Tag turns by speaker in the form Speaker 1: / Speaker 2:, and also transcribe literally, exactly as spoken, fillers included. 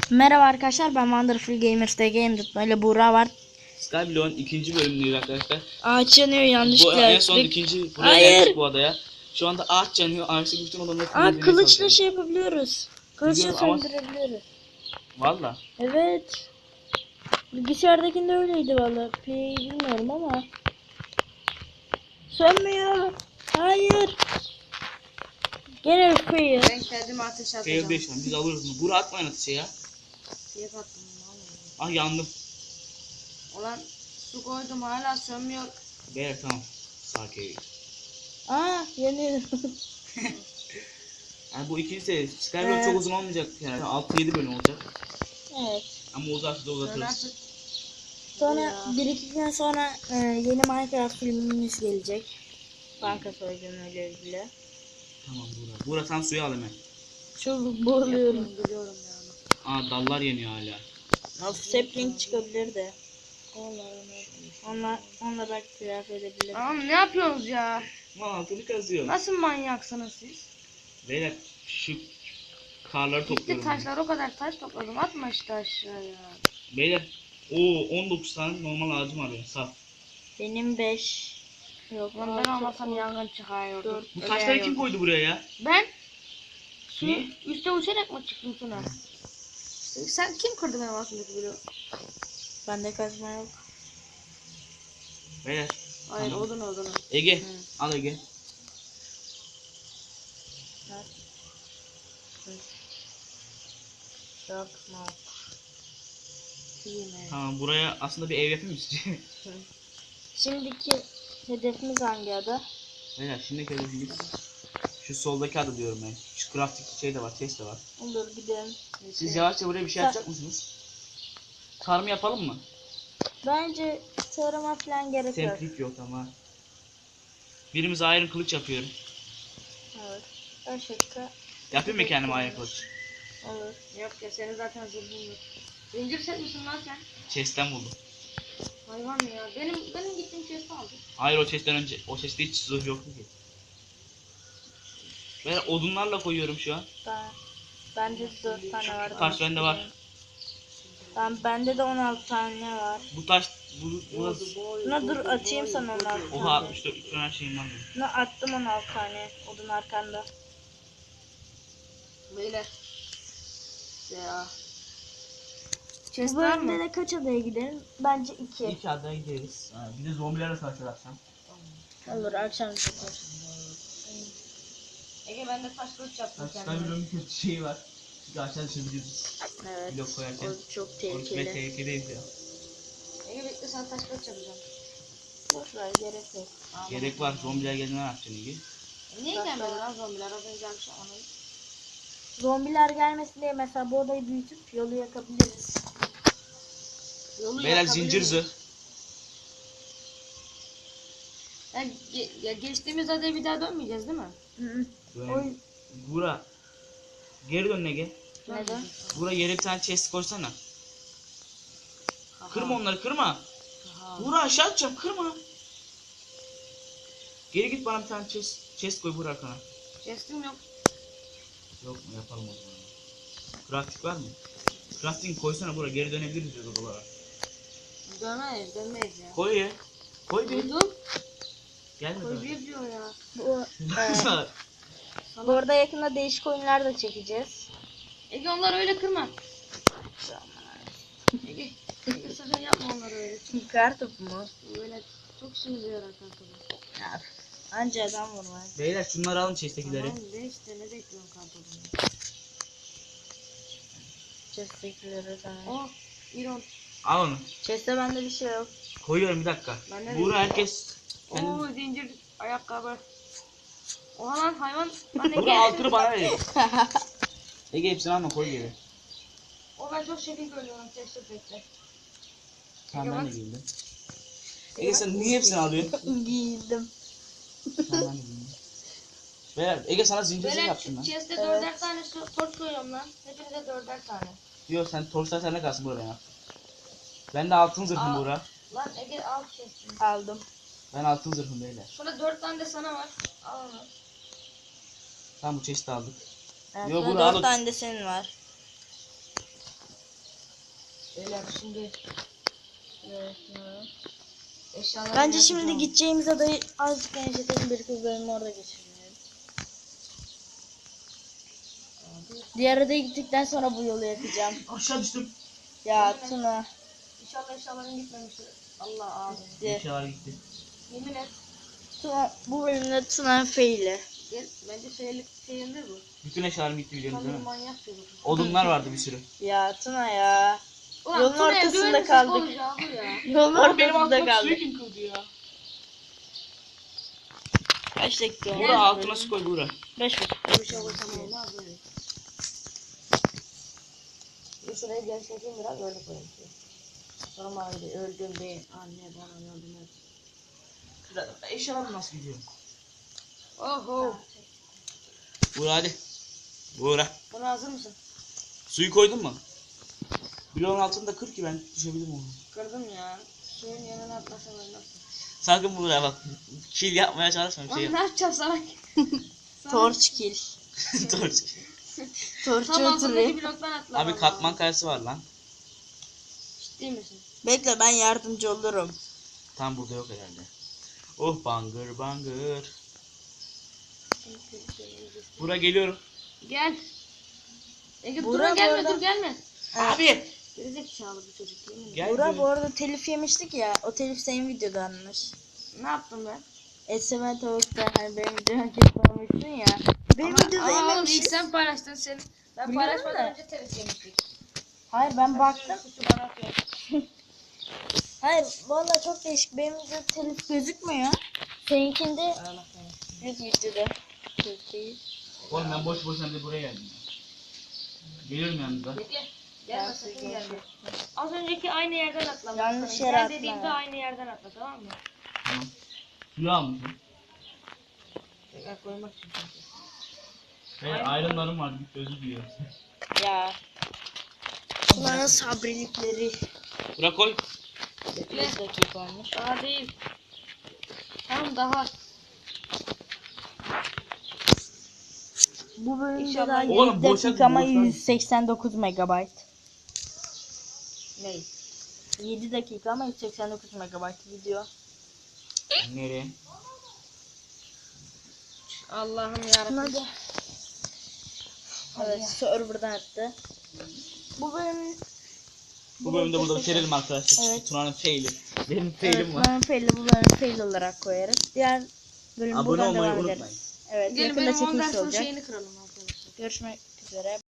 Speaker 1: Merhaba arkadaşlar, ben Wonderful Gamers'te Game ile Buğra var.
Speaker 2: Skyblock'un ikinci bölümündeyiz arkadaşlar.
Speaker 1: Ağaç yanıyor
Speaker 2: Bu
Speaker 1: yanlışlıkla.
Speaker 2: en son ikinci buraya
Speaker 1: Hayır.
Speaker 2: geldik bu adaya. Şu anda ağaç yanıyor. Ağaçtaki bütün olanları
Speaker 1: Aa,
Speaker 2: temizlemeye
Speaker 1: kılıçla
Speaker 2: çalışıyoruz.
Speaker 1: şey yapabiliyoruz. Kılıçla
Speaker 2: Biliyorum ama-
Speaker 1: söndürebiliyoruz.
Speaker 2: Valla.
Speaker 1: Evet. Bilgisayardakinde öyleydi valla. P'yi bilmiyorum ama. Sönmüyor. Hayır. Gene F'yi.
Speaker 3: Ben kendime ateş
Speaker 2: Fail
Speaker 3: atacağım.
Speaker 2: beş biz alırız bunu. Bura atmayın ateşe ya.
Speaker 3: Fiyat attım vallahi.
Speaker 2: Ah yandım.
Speaker 3: Ulan su koydum hala sönmüyor.
Speaker 2: Beyler tamam. Sakin.
Speaker 1: Aa, yanıyor.
Speaker 2: Yani bu ikinci seri. Skyblock
Speaker 1: Evet.
Speaker 2: çok uzun olmayacak yani. altı yedi bölüm olacak.
Speaker 1: Evet.
Speaker 2: Ama uzarsa da
Speaker 3: Sön
Speaker 2: uzatırız.
Speaker 3: artık.
Speaker 1: Sonra
Speaker 3: Ya.
Speaker 1: bir iki gün sonra e, yeni Minecraft filmimiz gelecek. Banka soygunuyla ilgili.
Speaker 2: Tamam Buğra. Buğra sen suya al hemen.
Speaker 1: Çok boğuluyorum.
Speaker 3: Yapıyorum, biliyorum yani.
Speaker 2: Aa dallar yeniyor hala.
Speaker 1: Sapling çıkabilir de. Onlar, onlar belki telafi edebilir.
Speaker 3: Tamam ne yapıyorsunuz ya?
Speaker 2: Lan altını kazıyor.
Speaker 3: Nasıl manyaksınız siz?
Speaker 2: Beyler şu karları
Speaker 3: Gitti
Speaker 2: topluyorum. ben.
Speaker 3: taşlar, o kadar taş topladım, atma işte aşağıya.
Speaker 2: Beyler o on dokuz tane normal ağacım var benim saf.
Speaker 1: Benim beş. Yok,
Speaker 3: Lan ben olmasam yangın çıkarıyordu.
Speaker 1: Dört.
Speaker 2: Bu taşları kim koydu buraya ya?
Speaker 3: Ben su
Speaker 2: Niye?
Speaker 3: üstte uçarak mı çıktım sana? Sen kim kırdı benim altımdaki bloğu?
Speaker 1: Bende kazma yok.
Speaker 2: Beyler.
Speaker 3: Hayır
Speaker 2: Tamam.
Speaker 3: odun odun.
Speaker 2: Ege.
Speaker 3: Hı.
Speaker 2: Al Ege.
Speaker 1: Dört mı?
Speaker 2: Tamam buraya aslında bir ev yapayım mı sizce?
Speaker 1: Şimdiki hedefimiz hangi ada?
Speaker 2: Beyler şimdiki hedefimiz şu soldaki adı diyorum ben. Şu crafting şey de var, chest de var.
Speaker 1: Olur, gidelim.
Speaker 2: Siz yavaşça buraya bir şey
Speaker 1: Sa-
Speaker 2: yapacak mısınız? Tarım yapalım mı?
Speaker 1: Bence tarıma falan gerek yok.
Speaker 2: Semplik yok ama. Birimiz iron kılıç yapıyorum.
Speaker 1: Evet. Başka
Speaker 2: Yapayım mı kendime iron kılıç?
Speaker 1: olur.
Speaker 3: Yok ya, senin zaten zırhın yok. Zincir set misin lan sen?
Speaker 2: Chest'ten buldum.
Speaker 3: Hayvan ya. Benim benim gittiğim chest'i aldım.
Speaker 2: Hayır o chest'ten önce, o chest'te hiç zırh yoktu ki. Ben odunlarla koyuyorum şu an.
Speaker 1: Ben, bende dört tane var.
Speaker 2: Taş bende var.
Speaker 1: Ben, bende de on altı tane var.
Speaker 2: Bu taş, bu, burası.
Speaker 1: Buna dur, atayım sana on altı
Speaker 2: Oha
Speaker 1: tane.
Speaker 2: altmış dört üç tane her şeyim var benim.
Speaker 1: Buna attım on altı tane. Odun arkanda.
Speaker 3: Beyler. Ya.
Speaker 1: Bu
Speaker 3: Chest var
Speaker 1: bölümde
Speaker 3: mı?
Speaker 1: de kaç adaya gidelim? Bence iki.
Speaker 2: İlk adaya gideriz. Ha, bir de zombilerle savaşacağız akşam.
Speaker 1: Olur, akşam yapar.
Speaker 3: Ege ben de taş kılıç yaptım
Speaker 2: Taşlar
Speaker 3: kendime.
Speaker 2: bir kötü şey var. Çünkü aşağı düşebiliriz.
Speaker 1: Evet.
Speaker 2: Blok koyarken.
Speaker 1: O çok
Speaker 2: Ve
Speaker 1: tehlikeli.
Speaker 2: tehlikedeyiz ya.
Speaker 3: Ege bekle, sana taş kılıç yapacağım.
Speaker 1: Boş ver, gerek yok.
Speaker 3: Aa,
Speaker 2: Gerek var. Zombiler geldiğinde ne yapacaksın Ege?
Speaker 3: E, niye gelmedi lan zombiler? Az önce gelmiş ama.
Speaker 1: Zombiler gelmesin diye mesela bu odayı büyütüp yolu yakabiliriz.
Speaker 3: Yolu
Speaker 2: Beyler
Speaker 3: yakabilir
Speaker 2: zincir
Speaker 3: miyiz?
Speaker 2: zırh.
Speaker 3: Ya, ge- ya geçtiğimiz adaya bir daha dönmeyeceğiz değil mi?
Speaker 1: Hı hı.
Speaker 2: Böyle.
Speaker 1: Oy.
Speaker 2: Bura. Geri dön Ege.
Speaker 1: Neden?
Speaker 2: Bura yere bir tane chest koysana.
Speaker 3: Aha.
Speaker 2: Kırma onları kırma.
Speaker 3: Aha.
Speaker 2: Bura aşağı atacağım kırma. Geri git bana bir tane chest, chest koy bura arkana.
Speaker 3: Chest'im yok.
Speaker 2: Yok mu yapalım o zaman. Crafting var mı? Crafting koysana bura geri dönebiliriz diyor odalara.
Speaker 3: Dönmeyiz, dönmeyiz ya.
Speaker 2: Koy ya. Koy bir.
Speaker 3: Duydum.
Speaker 2: Gelme
Speaker 3: Koy
Speaker 2: daha.
Speaker 3: bir diyor ya.
Speaker 1: Bu, evet. Bu arada yakında değişik oyunlar da çekeceğiz.
Speaker 3: Ege onları öyle kırma. Ege, Ege sakın yapma onları öyle.
Speaker 1: Kartopu mu?
Speaker 3: Böyle çok işimize yarar kanka.
Speaker 1: Ya, anca adam vurma.
Speaker 2: Beyler şunları alın chest'tekileri.
Speaker 3: Tamam de işte, ne bekliyorsun kanka?
Speaker 1: Chest'tekileri tamam.
Speaker 3: Oh, İron.
Speaker 2: Al onu.
Speaker 1: Chest'te bende bir şey yok.
Speaker 2: Koyuyorum bir dakika.
Speaker 3: Ben de
Speaker 2: Buğra herkes kendi...
Speaker 3: Oo, zincir ayakkabı. Oha lan hayvan. Lan Ege.
Speaker 2: Buğra altını bana verin. Ege hepsini alma koy geri.
Speaker 3: O ben çok şekil görüyorum. Teşekkür bekle.
Speaker 2: Tamam
Speaker 3: Ege
Speaker 2: ben de
Speaker 3: bak.
Speaker 2: giyindim. Ege sen niye hepsini alıyorsun?
Speaker 1: Giydim.
Speaker 2: Tamam ben de giyindim. Beyler Ege sana zincir zırh
Speaker 3: Böyle
Speaker 2: yaptım ben.
Speaker 3: chest'e
Speaker 1: Evet.
Speaker 3: dörder tane so- torç koyuyorum lan. Hepinize dörder tane.
Speaker 2: Yok sen torçlar sende kalsın Buğra ben yaptım. Ben de altın zırhım
Speaker 3: Aa.
Speaker 2: Buğra.
Speaker 3: Lan Ege al chest'ini.
Speaker 1: Aldım.
Speaker 2: Ben altın zırhım beyler.
Speaker 3: Şurada dört tane de sana var. Al onu.
Speaker 2: Tamam bu chest'i aldık.
Speaker 1: Evet,
Speaker 2: Yo,
Speaker 1: burada
Speaker 2: bunu al.
Speaker 1: dört tane de senin var.
Speaker 3: Beyler şimdi
Speaker 1: Evet, evet.
Speaker 3: eşyaları
Speaker 1: Bence şimdi
Speaker 3: yapacağım.
Speaker 1: gideceğimiz adayı azıcık genişletelim. Bir kız bölümü orada geçirelim. Diğer adaya gittikten sonra bu yolu yakacağım.
Speaker 2: Aşağı düştüm.
Speaker 1: Ya Tuna.
Speaker 3: İnşallah eşyaların gitmemiştir. Allah abi.
Speaker 1: Gitti.
Speaker 2: Eşyalar gitti.
Speaker 3: Yemin et.
Speaker 1: Tuna bu bölümde Tuna faili.
Speaker 3: Gel. Bence şeylik şeyindir bu.
Speaker 2: Bütün eşyalarım gitti biliyorsunuz
Speaker 3: Tam
Speaker 2: değil
Speaker 3: bir
Speaker 2: mi?
Speaker 3: manyak çocuk.
Speaker 2: Odunlar vardı bir sürü.
Speaker 1: Ya Tuna ya.
Speaker 3: Ulan
Speaker 1: Yolun
Speaker 3: Tuna'ya
Speaker 1: ortasında
Speaker 3: güvenirsek
Speaker 1: kaldık.
Speaker 3: olacağı bu ya.
Speaker 1: Yolun
Speaker 2: Oğlum benim
Speaker 1: ortasında
Speaker 2: altımdaki suyu
Speaker 1: kaldık.
Speaker 2: kim kırdı ya?
Speaker 1: Kaç dakika olmuş?
Speaker 2: Buğra altına su koy Buğra.
Speaker 1: Beş buçuk.
Speaker 3: Bir şey koysam olmaz böyle. Bir şuraya genişleteyim biraz öyle koyayım. Normalde öldüm be anne bana yardım et.
Speaker 2: Eşyalar nasıl gidiyor?
Speaker 3: Oho.
Speaker 2: Buğra hadi. Buğra.
Speaker 3: Buna hazır mısın?
Speaker 2: Suyu koydun mu? Bloğun altında kır ki ben düşebilirim onu.
Speaker 3: Kırdım ya. Suyun yanına atlasam ölmezsin.
Speaker 2: Sakın Buğra bak. Kill yapmaya çalışma bir şey
Speaker 3: Lan
Speaker 2: yap.
Speaker 3: ne yapacağım sana?
Speaker 1: Torç kill.
Speaker 2: Torç.
Speaker 1: Torçu
Speaker 3: Tam altındaki
Speaker 1: oturuyor.
Speaker 3: bloktan atla.
Speaker 2: Abi katman kayası var lan.
Speaker 3: Ciddi misin?
Speaker 1: Bekle ben yardımcı olurum.
Speaker 2: Tam burada yok herhalde. Oh bangır bangır. Buğra geliyorum.
Speaker 3: Gel. Ege dur
Speaker 1: Burak
Speaker 3: gelme
Speaker 1: orada-
Speaker 3: dur gelme.
Speaker 2: Abi.
Speaker 3: Gerizekalı bu çocuk yemin ederim.
Speaker 2: Gel.
Speaker 1: Burak
Speaker 2: diyorum.
Speaker 1: bu arada telif yemiştik ya. O telif senin videodanmış.
Speaker 3: Ne yaptım ben?
Speaker 1: Eseme tavukta hani benim videomu kesmemişsin ya. Benim videoda
Speaker 3: Ama oğlum
Speaker 1: yememişiz.
Speaker 3: ilk sen paylaştın sen. Ben
Speaker 1: Biliyorum
Speaker 3: paylaşmadan
Speaker 1: da.
Speaker 3: önce telif yemiştik.
Speaker 1: Hayır ben baktım.
Speaker 3: Suçu bana atıyor.
Speaker 1: Hayır vallahi çok değişik. Benim videoda telif gözükmüyor. Seninkinde
Speaker 3: Allah kahretsin.
Speaker 1: yok videoda. Yok değil.
Speaker 2: Oğlum ben boş boşuna bir buraya geldim. Geliyorum yanınıza.
Speaker 3: Bekle. Gelme
Speaker 1: Ben
Speaker 3: sakın
Speaker 1: sizi
Speaker 3: gelme.
Speaker 1: geçiyorum.
Speaker 3: Az önceki aynı yerden atla.
Speaker 1: Yanlış
Speaker 3: Sana.
Speaker 1: yere
Speaker 3: Gel
Speaker 1: atlama.
Speaker 3: dediğimde aynı yerden atla tamam mı?
Speaker 2: Tamam. Suyu almışım.
Speaker 3: Tekrar koymak için. çünkü.
Speaker 2: Ve ayrımlarım var. Bir özür diliyorum.
Speaker 1: Ya. Bunların sabrilikleri.
Speaker 2: Buğra koy.
Speaker 3: Bekle.
Speaker 1: Bir dakika olmuş.
Speaker 3: Daha değil. Tamam daha.
Speaker 1: Bu bölümde
Speaker 3: İnşallah-
Speaker 1: daha
Speaker 2: Oğlum,
Speaker 1: yedi
Speaker 2: boşa-
Speaker 1: dakika ama
Speaker 2: boşa-
Speaker 1: yüz seksen dokuz megabayt.
Speaker 3: Ney?
Speaker 1: yedi dakika ama yüz seksen dokuz megabayt video.
Speaker 2: Nereye?
Speaker 3: Allah'ım yarabbim.
Speaker 1: Hadi. Evet, server'dan attı. Bu bölüm
Speaker 2: Bu bölümde burada bitirelim arkadaşlar.
Speaker 1: Evet.
Speaker 2: Tuna'nın faili. Benim
Speaker 1: evet,
Speaker 2: failim var.
Speaker 1: ben fail'i bu bölüm fail olarak koyarız. Diğer bölüm
Speaker 2: Abone
Speaker 1: buradan
Speaker 2: olmayı
Speaker 1: devam
Speaker 2: unutmayın.
Speaker 1: ederiz. Evet,
Speaker 3: Gelin
Speaker 1: yakında
Speaker 3: benim on
Speaker 1: çekiliş
Speaker 3: versiyon
Speaker 1: olacak.
Speaker 3: şeyini kıralım arkadaşlar.
Speaker 1: Görüşmek üzere.